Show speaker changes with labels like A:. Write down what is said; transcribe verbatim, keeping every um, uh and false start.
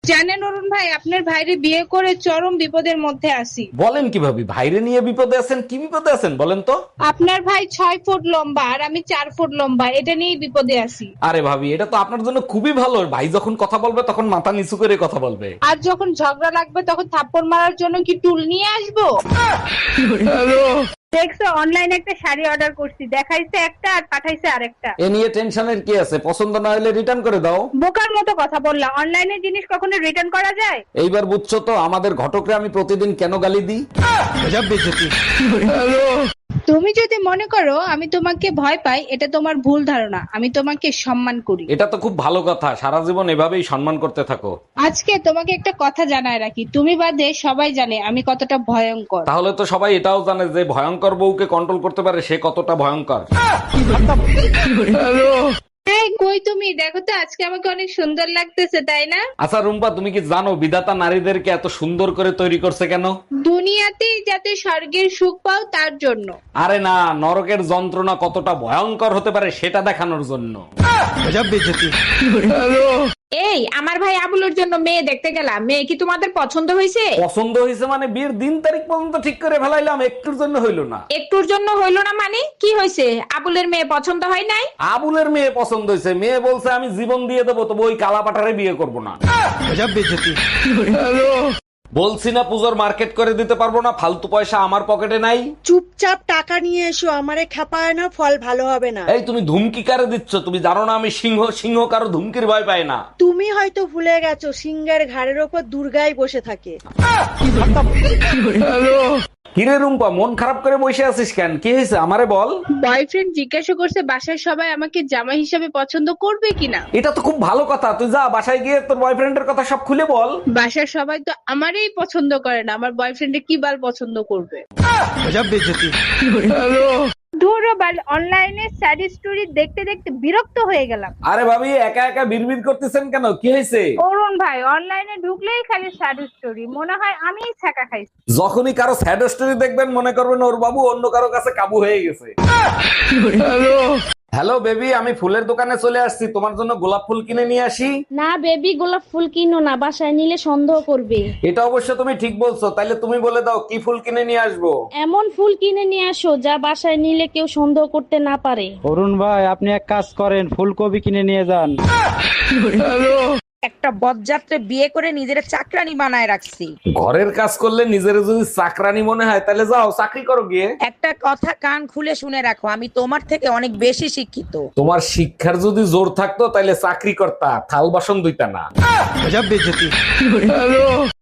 A: জানেন অরুণ ভাই, আপনার ভাইরে বিয়ে করে চরম বিপদের মধ্যে আছি।
B: বলেন কি ভাবি, ভাইরে নিয়ে বিপদে আছেন? কি বিপদে আছেন বলেন তো?
A: আপনার ভাই ছয় ফুট লম্বা আর আমি চার ফুট লম্বা, এটা নিয়েই বিপদে আছি।
B: আরে ভাবি, এটা তো আপনার জন্য খুবই ভালো। ভাই যখন কথা বলবে তখন মাথা নিচু করে কথা বলবে।
A: আর যখন ঝগড়া লাগবে তখন থাপ্পড় মারার জন্য কি টুল নিয়ে আসবো? দেখছো, অনলাইনে একটা শাড়ি অর্ডার করছি, দেখাইছে একটা আর পাঠাইছে আরেকটা।
B: এ নিয়ে টেনশনের কি আছে? পছন্দ না হলে রিটার্ন করে দাও।
A: বোকার মতো কথা বললা, অনলাইনে জিনিস কখনো রিটার্ন করা যায়?
B: এইবার বুঝছো তো আমাদের ঘটকরে আমি প্রতিদিন কেন গালি দিই।
A: তুমি যদি মনে করো আমি তোমাকে ভয় পাই, এটা তোমার ভুল ধারণা। আমি তোমাকে সম্মান করি।
B: এটা তো খুব ভালো কথা, সারা জীবন এভাবেই সম্মান করতে থাকো।
A: আজকে তোমাকে একটা কথা জানায় রাখি, তুমি বাদে সবাই জানে আমি কতটা ভয়ঙ্কর।
B: তাহলে তো সবাই এটাও জানে যে ভয়ঙ্কর বউকে কন্ট্রোল করতে পারে সে কতটা ভয়ঙ্কর।
A: এই কই তুমি, দেখো তো আজকে আমাকে অনেক সুন্দর লাগতেছে, তাই না?
B: আচ্ছা রুম্পা, তুমি কি জানো বিধাতা নারীদেরকে এত সুন্দর করে তৈরি করছে কেন?
A: দুনিয়াতেই যাতে স্বর্গের সুখ পাও তার জন্য।
B: আরে না, নরকের যন্ত্রণা কতটা ভয়ঙ্কর হতে পারে সেটা দেখানোর জন্য।
C: এই আমার ভাই আবুলের জন্য মেয়ে দেখতে গেলাম, মেয়ে কি তোমাদের পছন্দ হয়েছে?
B: পছন্দ হয়েছে মানে বিয়ের দিন তারিখ পর্যন্ত ঠিক করে ফেলাইলাম, একটুর জন্য হইলো না।
C: একটুর জন্য হইলো না মানে কি হয়েছে? আবুলের মেয়ে পছন্দ হয় নাই?
B: আবুলের মেয়ে পছন্দ হয়েছে, মেয়ে বলছে আমি জীবন দিয়ে দেবো, তবু ওই কালা পাঠারে বিয়ে করবো না। বলছি না পুজোর মার্কেট করে দিতে পারবো না, ফালতু পয়সা আমার পকেটে নাই।
D: চুপচাপ টাকা নিয়ে এসো, আমারে খেপায় না, ফল ভালো হবে না।
B: এই তুমি ধুমকি কারে দিচ্ছ? তুমি জানো না আমি সিংহ, সিংহ কারো ধুমকির ভয় পায় না।
D: তুমি হয়তো ভুলে গেছো, সিংহের ঘাড়ের ওপর দুর্গাই বসে থাকে।
B: কিরে রুম্পা, মন খারাপ করে বসে আছিস কেন? কি হয়েছে আমারে বল।
A: বয়ফ্রেন্ড জিজ্ঞাসা করছে বাসার সবাই আমাকে জামাই হিসাবে পছন্দ করবে কিনা।
B: এটা তো খুব ভালো কথা, তুই যা বাসায় গিয়ে তোর বয়ফ্রেন্ডের কথা সব খুলে বল।
A: বাসার সবাই তো আমারই পছন্দ করে না, আমার বয়ফ্রেন্ডে কি বাল পছন্দ করবে। ধুরো বাল, অনলাইনে স্যাড স্টোরি দেখতে দেখতে বিরক্ত হয়ে গেলাম।
B: আরে ভাবি, একা একা বিড়বিড় করতেছেন কেন? কি হয়েছে?
A: অরুণ ভাই, অনলাইনে ঢুকলেই খালি স্যাড স্টোরি, মনে হয় আমিই ছাকা খাইছি।
B: যখনই কারো স্যাড স্টোরি দেখবেন মনে করবেন ওর বাবু অন্য কারো কাছে কাবু হয়ে গেছে। হ্যালো বেবি, আমি ফুলের দোকানে চলে আসছি, তোমার জন্য গোলাপ ফুল কিনে নিয়ে আসি।
E: না বেবি, গোলাপ ফুল কিনো না, বাসায় নিলে সন্দেহ করবে।
B: এটা অবশ্য তুমি ঠিক বলছো, তাইলে তুমি বলে দাও কি ফুল কিনে নিয়ে আসবো।
E: এমন ফুল কিনে নিয়ে আসো যা বাসায় নিলে কেউ সন্দেহ করতে না পারে।
F: অরুণ ভাই, আপনি এক কাজ করেন, ফুলকপি কিনে নিয়ে যান।
C: একটা বদযাত্রে বিয়ে করে নিজের চাকরানি বানায় রাখছি।
B: ঘরের কাজ করলে নিজের যদি চাকরানি মনে হয় তাহলে যাও চাকরি করো গিয়ে।
C: একটা কথা কান খুলে শুনে রাখো, আমি তোমার থেকে অনেক বেশি শিক্ষিত।
B: তোমার শিক্ষার যদি জোর থাকতো তাহলে চাকরি করতা, থাল বাসন ধুইতা না।